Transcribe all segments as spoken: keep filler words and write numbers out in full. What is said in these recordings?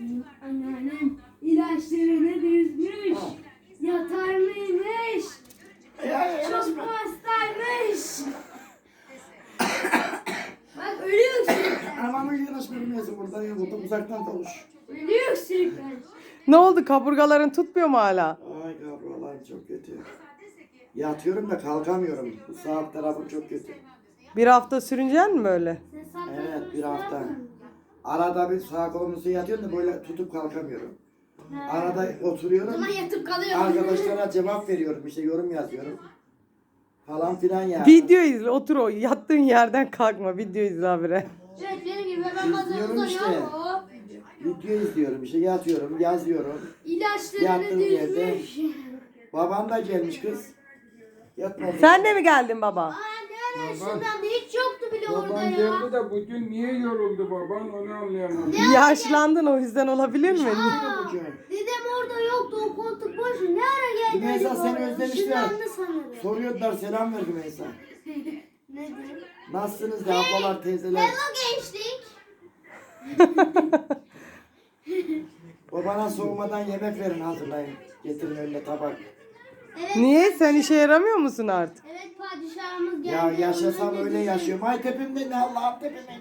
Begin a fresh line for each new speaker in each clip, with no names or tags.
Anneannem ilaçlarını düzmüş. Yatar mıymış? Çok hastaymış. Bak ölüyor öksürükler.
Anamın yanaş bilmiyorsun burada ya. Burada uzaktan konuş.
Ölüyor öksürükler.
Ne oldu? Kaburgaların tutmuyor mu hala?
Ay kavralar çok kötü. Yatıyorum da kalkamıyorum. Bu sağ tarafım çok kötü.
Bir hafta sürüneceksin mi böyle?
Sen sağ
Evet
tarafını
bir hafta.
sağ
Arada bir sağ kolumu yatıyorum da böyle tutup kalkamıyorum.
Ha.
Arada
O
oturuyorum.
zaman yatıp kalıyor.
Arkadaşlara cevap veriyorum. İşte yorum yazıyorum. Falan filan yani.
Video izle. Otur o. Yattığın yerden kalkma. Video izle habire.
Evet benim gibi ben bazen
İzliyorum işte.
uzanıyorum.
Video izliyorum. İşte yatıyorum, yazıyorum.
İlaçlarını
Yattığım yerde.
düzmüş.
Babam da gelmiş kız. Yatmadı.
Sen de mi geldin baba?
Aa ne ara şundan da hiç yoktu bile orada
Baban
ya.
geldi de bugün niye yoruldu baban onu anlayamadım.
Yaşlandın o yüzden olabilir mi?
Aa, dedem orada yoktu o koltuk boş. Ne ara geldi?
Rümeysa
acaba
seni
oraya?
özlemişler.
Işınlandı sanırım.
Soruyorlar selam ver Rümeysa.
Ne diyeyim?
Nasılsınız da ablalar, teyzeler?
Hello gençlik.
Babana soğumadan yemek verin hazırlayın. Getirin önüne tabak.
Evet.
Niye? Sen işe yaramıyor musun artık?
Evet padişahımız geldi.
Ya yaşasam
Ondan
öyle
dedi-
yaşıyorum. Ay tepemde ne Allah'ım tepemde.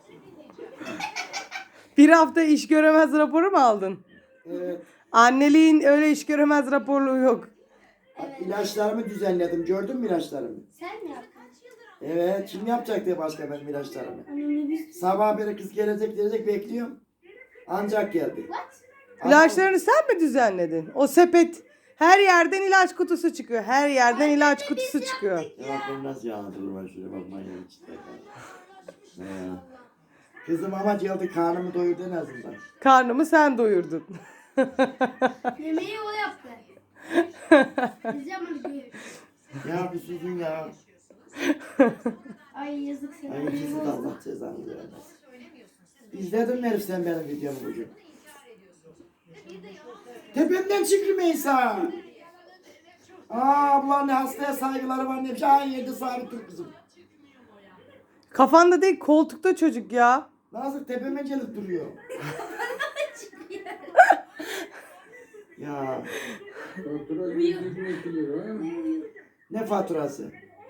Bir hafta iş göremez raporu mu aldın?
Evet.
Anneliğin öyle iş göremez raporluğu yok.
İlaçlarımı düzenledim. Gördün mü ilaçlarımı?
Sen mi yaptın?
Evet. Kim yapacak diye başka benim ilaçlarımı.
Annemle biz...
Sabah beri kız gelecek gelecek bekliyorum. Ancak geldi.
What?
İlaçlarını sen mi düzenledin? O sepet her yerden ilaç kutusu çıkıyor. Her yerden ilaç kutusu çıkıyor.
Ya bak ben nasıl anlatılır ben şöyle bak manyak işte. He. Kızım ama geldi karnımı doyurdu en azından.
Karnımı sen doyurdun.
Yemeği o yaptı. Biz yapmadık.
Ya bir susun ya.
Ay yazık sana.
Ay ikisi de Allah cezanı vermez. İzledin mi herif sen benim videomu bugün? Tepemden çık Rümeysa. Aa abla ne hastaya saygıları var ne bir şey. Ay yedi sabit dur kızım.
Kafanda değil koltukta çocuk ya.
Nasıl tepeme gelip duruyor. Ya
Fatura yüz yirmi iki lira.
ne faturası?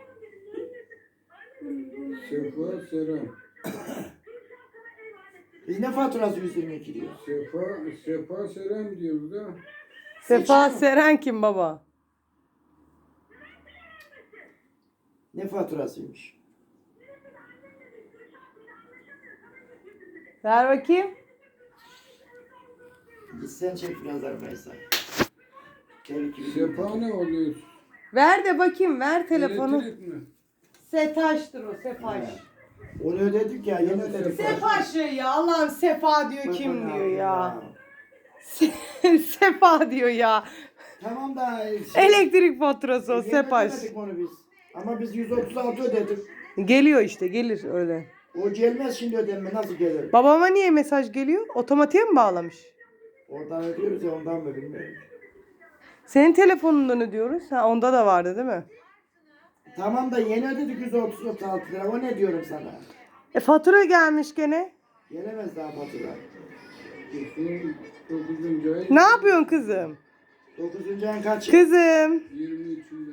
Sefa Serem.
Biz ne faturası yüz yirmi iki diyor.
Sefa, Sefa Serem diyoruz da.
Sefa Seren kim baba?
Ne faturasıymış?
Ver bakayım.
Git sen çek biraz Rümeysa. Gel iki bir
Sefa ne oluyor?
Ver de bakayım ver telefonu.
Elektrik mi?
Setaş'tır o Sefaş.
Onu ödedik ya yeni ödedik.
Sefaş ya Allah'ım Sefa diyor kim
Bakın
diyor
abi
ya. Sefa diyor ya.
Tamam da şey,
Elektrik faturası o
yeni
Sefaş.
ödemedik onu biz. Ama biz yüz otuz altı ödedik.
Geliyor işte gelir öyle.
O gelmez şimdi ödenme nasıl gelir?
Babama niye mesaj geliyor? Otomatiğe mi bağlamış?
Oradan ödüyoruz ya ondan mı bilmiyorum.
Senin telefonundan ödüyoruz. Ha onda da vardı değil mi?
Tamam da yeni ödedik yüz otuz altı lira. O ne diyorum sana?
E fatura gelmiş gene.
Gelemez daha fatura.
Şu dokuzuncu ay
Ne yapıyorsun kızım?
dokuzuncu ayın kaçı?
Kızım.
yirmi üçünde.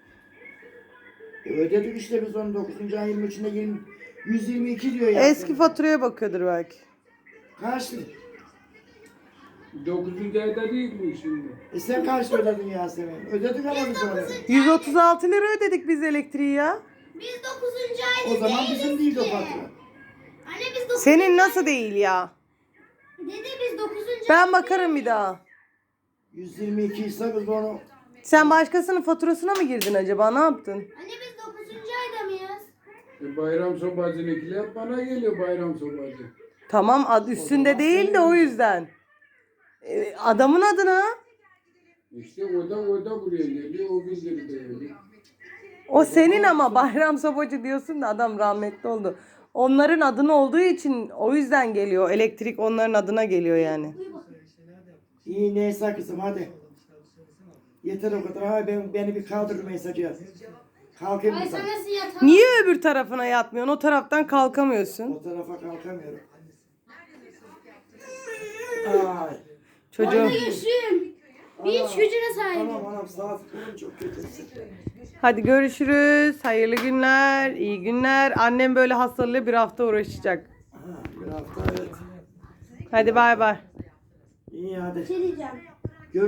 E ödedik işte biz onu dokuzuncu ayın yirmi üçünde yirmi, yüz yirmi iki diyor ya.
Eski faturaya bakıyordur belki.
Kaç lira?
dokuzuncu ayda değil mi şimdi?
E sen kaç lira ödedin Yasemin? Ödedik ama biz onu.
yüz otuz altı lira ödedik biz elektriği ya.
Biz dokuzuncu ayda
O zaman
değiliz
bizim değil o
ki.
fatura.
Anne biz dokuzuncu
Senin nasıl değil ya?
Dede biz dokuzuncu
Ben
ayda
bakarım bir daha.
yüz yirmi iki ise biz onu
Sen başkasının faturasına mı girdin acaba? Ne yaptın?
Anne biz dokuzuncu ayda mıyız?
E, bayram sobacınınkiler hep bana geliyor bayram sobacı.
Tamam ad üstünde değil de o yüzden. E, adamın adına.
İşte o da o da buraya geliyor, o bildiride geliyor.
O senin ama Bayram Sobacı diyorsun da adam rahmetli oldu. Onların adını olduğu için o yüzden geliyor. Elektrik onların adına geliyor yani.
iyi neyse kızım hadi. Yeter o kadar. Ay ben, beni bir kaldır mesajı. Kalkayım
Ay
mı sen?
sen nasıl yatağı?
Niye öbür tarafına yatmıyorsun? O taraftan kalkamıyorsun.
O tarafa kalkamıyorum. Aa,
Çocuğum.
Orada güçlüyüm. Bir iç gücüne sahibim.
Anam anam saat kolum çok kötü.
Hadi görüşürüz. Hayırlı günler, iyi günler. Annem böyle hastalığı bir hafta uğraşacak.
Ha, bir hafta evet.
Hadi bay bay.
İyi hadi.
Bir şey diyeceğim.